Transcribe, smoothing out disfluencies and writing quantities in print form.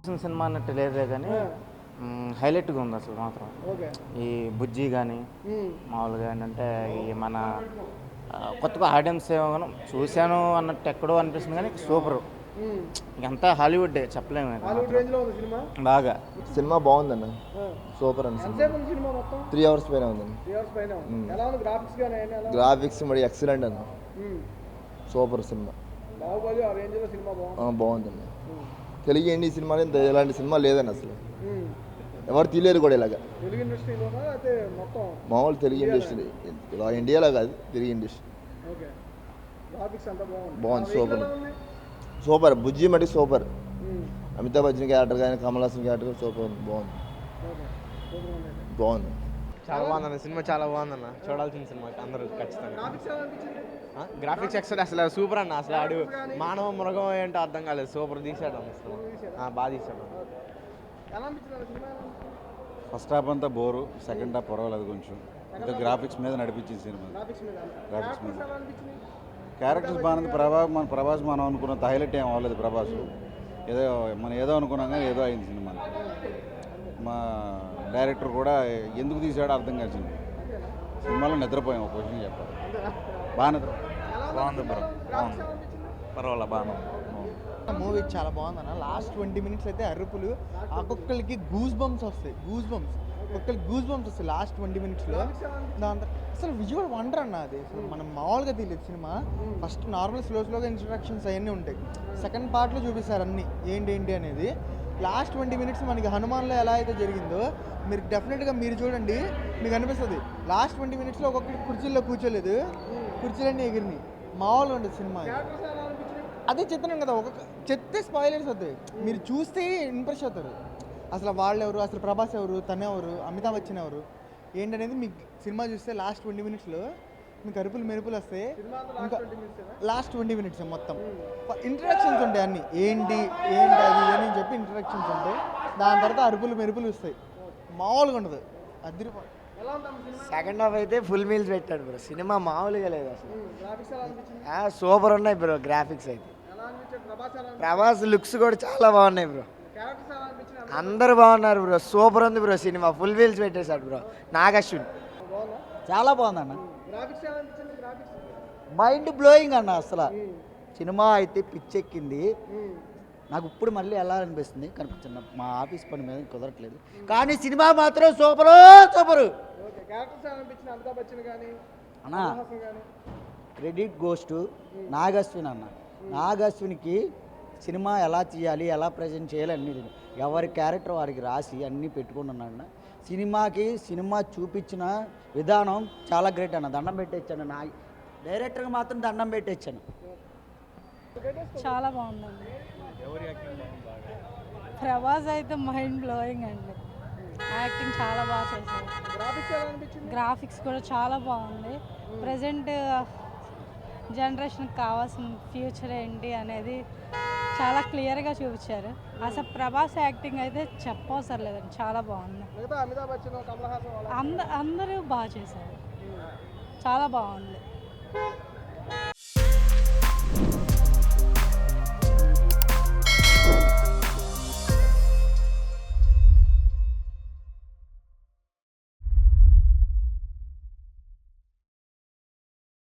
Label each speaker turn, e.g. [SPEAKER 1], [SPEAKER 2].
[SPEAKER 1] వచ్చిన సినిమా అన్నట్టు లేదే కానీ హైలైట్గా ఉంది అసలు మాత్రం. ఈ బుజ్జి కానీ మామూలుగా ఏంటంటే ఈ మన కొత్తగా ఆడియన్స్ ఏమో చూశాను అన్నట్టు ఎక్కడో అనిపిస్తుంది కానీ సూపర్. ఇంకంతా హాలీవుడ్ చెప్పలేము. బాగా
[SPEAKER 2] సినిమా బాగుందన్న, సూపర్ అన్న. 3 hours పైన ఉందండి. గ్రాఫిక్స్ మరి ఎక్సలెంట్ అన్న, సూపర్ సినిమా. బాగుందండి. తెలుగు ఇండియా సినిమా ఇలాంటి సినిమా లేదండి అసలు, ఎవరు తీయలేరు కూడా ఇలాగా. మామూలు తెలుగు ఇండస్ట్రీ, ఇండియాలో కాదు, తెలుగు ఇండస్ట్రీ బాగుంది. Super super. బుజ్జి మట్టి సూపర్. అమితాబ్ బచ్చన్ క్యారెక్టర్ కానీ కమల్ హాసన్ క్యారెక్టర్ సూపర్, బాగుంది.
[SPEAKER 3] చాలా బాగుందన్న సినిమా, చాలా బాగుందన్న, చూడాల్సిన సినిమా అందరూ ఖచ్చితంగా. గ్రాఫిక్స్ ఎక్సలెంట్, అసలు సూపర్ అన్న. అసలు ఆడు మానవ మృగం ఏంటో అర్థం కాలేదు, సూపర్ తీసాడు అన్న సినిమా, బాగా తీసాడు.
[SPEAKER 4] ఫస్ట్ హాఫ్ అంతా బోరు, సెకండ్ హాఫ్ పర్వాలేదు కొంచెం. ఇంకా గ్రాఫిక్స్ మీద నడిపించింది సినిమా. గ్రాఫిక్స్ మీద క్యారెక్టర్స్ బాగుంది. ప్రభాస్ మనం అనుకున్నంత హైలైట్ ఏం అవ్వలేదు. ప్రభాస్ ఏదో అనుకున్నాం కానీ ఏదో అయింది సినిమా. మా డైరెక్టర్ కూడా ఎందుకు తీసాడో అర్థం కాదు. సినిమాలో నిద్రపోయాం, ఒక క్వశ్చన్ చెప్పాలి. బాగా
[SPEAKER 1] బాగుంది బ్రో, బాగుంది, పర్వాలేదు, బాగా
[SPEAKER 5] మూవీ చాలా బాగుందన్న. లాస్ట్ 20 minutes అయితే అరుపులు, ఒక్కొక్కరికి గూస్ బంప్స్ వస్తాయి. ఒక్కొక్కరికి గూస్ బంప్స్ వస్తాయి లాస్ట్ 20 minutesలో. దాంతో అసలు విజువల్ వండర్ అన్న. అది అసలు మనం మామూలుగా తెలియదు సినిమా. ఫస్ట్ నార్మల్ స్లోగా ఇంట్రడక్షన్స్ అవన్నీ ఉంటాయి, సెకండ్ పార్ట్లో చూపిస్తారు అన్నీ ఏంటి అనేది. లాస్ట్ 20 minutes మనకి హనుమాన్లో ఎలా అయితే జరిగిందో మీరు డెఫినెట్గా మీరు చూడండి, మీకు అనిపిస్తుంది. లాస్ట్ 20 minutesలో ఒక్కొక్కటి కుర్చీల్లో కూర్చోలేదు, కుర్చీలన్నీ ఎగిరినాయి. మామూలుగా ఉండదు సినిమా. అదే చెప్తున్నాను కదా, చెప్తే స్పాయిలర్స్ అవుతాయి, మీరు చూస్తే ఇంప్రెస్ అవుతారు. అసలు వాళ్ళు ఎవరు, అసలు ప్రభాస్ ఎవరు, తనెవరు, అమితాబ్ బచ్చన్ ఎవరు ఏంటనేది మీకు సినిమా చూస్తే లాస్ట్ 20 minutesలో మీకు అరుపులు మెరుపులు వస్తాయి. ఇంకా లాస్ట్ 20 minutes మొత్తం ఇంట్రడక్షన్స్ ఉంటాయి అన్నీ, ఏంటి అది అని చెప్పి ఇంట్రడక్షన్స్ ఉంటాయి. దాని తర్వాత అరుపులు మెరుపులు వస్తాయి, మామూలుగా ఉండదు. అదిరిపో.
[SPEAKER 6] సెకండ్ హాఫ్ అయితే ఫుల్ మీల్స్ పెట్టాడు బ్రో, సినిమా మామూలుగా లేదు అసలు. సూపర్ ఉన్నాయి బ్రో గ్రాఫిక్స్ అయితే. ప్రభాస్ లుక్స్ కూడా చాలా బాగున్నాయి బ్రో, అందరు బాగున్నారు బ్రో. సూపర్ ఉంది బ్రో సినిమా, ఫుల్ వీల్స్ పెట్టేశాడు బ్రో నాగశ్విన్.
[SPEAKER 5] చాలా బాగుందన్న, మైండ్ బ్లోయింగ్ అన్న. అసలు సినిమా అయితే పిచ్చెక్కింది నాకు. ఇప్పుడు మళ్ళీ ఎలా అనిపిస్తుంది కనిపించింది, మా ఆఫీస్ పని మీద కుదరట్లేదు కానీ సినిమా మాత్రం సూపరు. అన్న క్రెడిట్ గోస్ టు నాగశ్విన్ అన్న. నాగశ్విన్కి సినిమా ఎలా తీయాలి, ఎలా ప్రజెంట్ చేయాలి అన్నీ ఎవరి క్యారెక్టర్ వారికి రాసి అన్నీ పెట్టుకుంటున్నాడు. సినిమా చూపించిన విధానం చాలా గ్రేట్ అన్న. దండం పెట్టేచ్చాను, నా డైరెక్టర్కి మాత్రం దండం పెట్టేచ్చాను.
[SPEAKER 7] చాలా బాగుందండి. ప్రభాస్ అయితే మైండ్ బ్లోయింగ్ అండి, యాక్టింగ్ చాలా బాగా చేశారు. గ్రాఫిక్స్ కూడా చాలా బాగుంది. ప్రజెంట్ జనరేషన్కి కావాల్సిన ఫ్యూచర్ ఏంటి అనేది చాలా క్లియర్గా చూపించారు. అసలు ప్రభాస్ యాక్టింగ్ అయితే చెప్పవసరం లేదండి, చాలా బాగుంది. అందరూ బాగా చేశారు, చాలా బాగుంది.